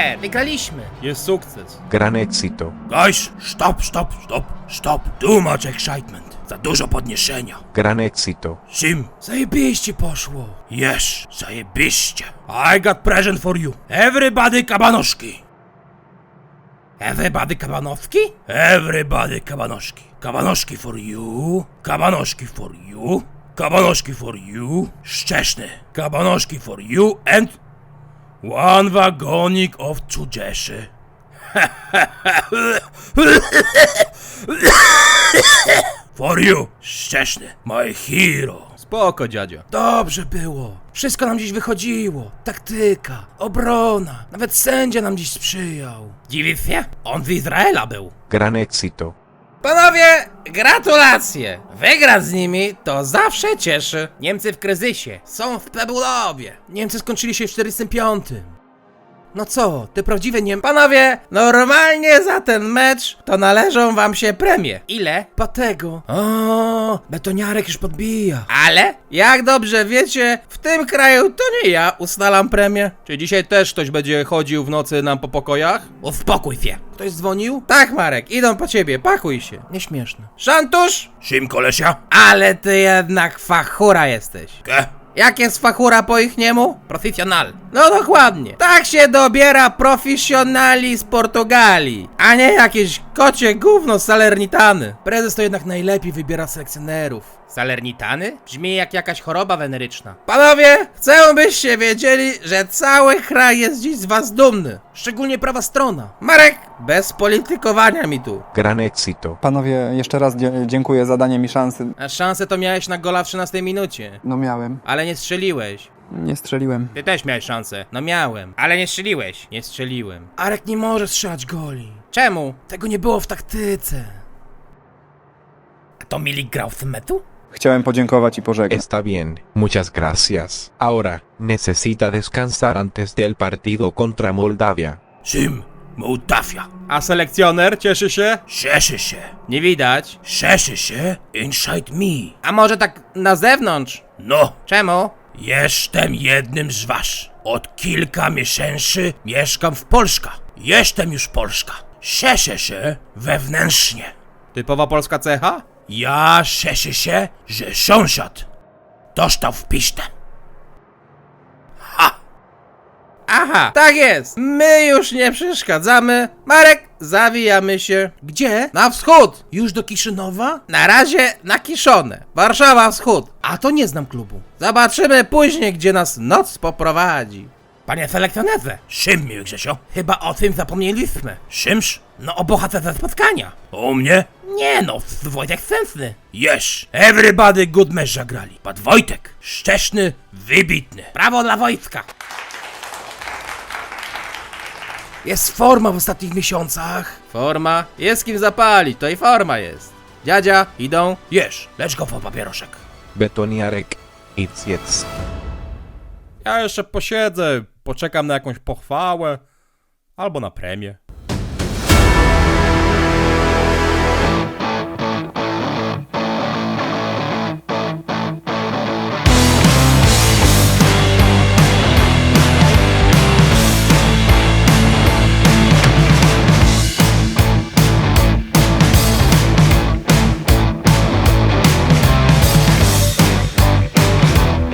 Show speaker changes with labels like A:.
A: super! Wygraliśmy!
B: Jest sukces.
C: Gran éxito.
D: Guys, stop. Too much excitement. Za dużo podniesienia.
C: Gran éxito.
D: Sim, zajebiście poszło. Yes, zajebiście. I got present for you. Everybody kabanoszki.
A: Everybody kabanowski?
D: Everybody kabanoszki. Kabanoszki for you. Kabanoszki for you. Kabanoszki for you. Szczeszny. Kabanoszki for you and... one wagonik of cudzieszy. For you, Szczeszny, my hero.
B: Spoko, dziadzia.
A: Dobrze było. Wszystko nam dziś wychodziło. Taktyka, obrona. Nawet sędzia nam dziś sprzyjał. Dziwisz się? On z Izraela był.
C: Gran éxito.
A: Panowie, gratulacje! Wygrać z nimi to zawsze cieszy. Niemcy w kryzysie, są w prebudowie. Niemcy skończyli się w 45. No co, ty prawdziwe Panowie, normalnie za ten mecz to należą wam się premie. Ile? Po tego. O, betoniarek już podbija. Ale, jak dobrze wiecie, w tym kraju to nie ja ustalam premię.
B: Czy dzisiaj też ktoś będzie chodził w nocy nam po pokojach?
A: Uspokój się. Ktoś dzwonił? Tak, Marek, idą po ciebie, pakuj się. Nieśmieszne. Szantusz?
D: Sim, kolesia?
A: Ale ty jednak fachura jesteś.
D: Ke?
A: Jak jest fachura po ich niemu? Profesjonal. No dokładnie. Tak się dobiera profesjonali z Portugalii, a nie jakieś kocie gówno z Salernitany. Prezes to jednak najlepiej wybiera selekcjonerów. Salernitany? Brzmi jak jakaś choroba weneryczna. Panowie, chcę byście wiedzieli, że cały kraj jest dziś z was dumny. Szczególnie prawa strona. Marek, bez politykowania mi tu.
C: Gran éxito.
E: Panowie, jeszcze raz dziękuję za danie mi szansy.
A: A szansę to miałeś na gola w 13 minucie.
E: No miałem.
A: Ale nie strzeliłeś.
E: Nie strzeliłem.
A: Ty też miałeś szansę. No miałem. Ale nie strzeliłeś. Nie strzeliłem. Arek nie może strzelać goli. Czemu? Tego nie było w taktyce. A to Milik grał w tym meczu?
E: Chciałem podziękować i pożegnać.
C: Está bien. Muchas gracias. Ahora, necesita descansar antes del partido contra Moldavia.
D: Sim, Mołdawia.
B: A selekcjoner cieszy się?
D: Cieszy się.
A: Nie widać.
D: Cieszy się inside me.
A: A może tak na zewnątrz?
D: No,
A: Czemu?
D: jestem jednym z was. Od kilka miesięcy mieszkam w Polsce. Jestem już Polska. Cieszę się wewnętrznie.
B: Typowa polska cecha?
D: Ja cieszę się, że sąsiad dostał w pisztę. Ha!
A: Aha, tak jest. My już nie przeszkadzamy. Marek, zawijamy się. Gdzie? Na wschód. Już do Kiszynowa? Na razie na Kiszonę. Warszawa wschód. A to nie znam klubu. Zobaczymy później, gdzie nas noc poprowadzi. Panie selekcjonerze,
D: Czym, miły Grzesio?
A: chyba o tym zapomnieliśmy.
D: Czymż?
A: No o bohaterze spotkania.
D: U mnie?
A: Nie no, Wojtek Sensny.
D: Yes, everybody good mecz zagrali. Pat Wojtek, szczeszny, wybitny.
A: Brawo dla wojska. Jest forma w ostatnich miesiącach. Forma? Jest kim zapalić, to i forma jest. Dziadzia, idą.
D: Yes, let's go for papieroszek.
C: Betoniarek. It's jetzt.
B: Ja jeszcze posiedzę, poczekam na jakąś pochwałę albo na premię.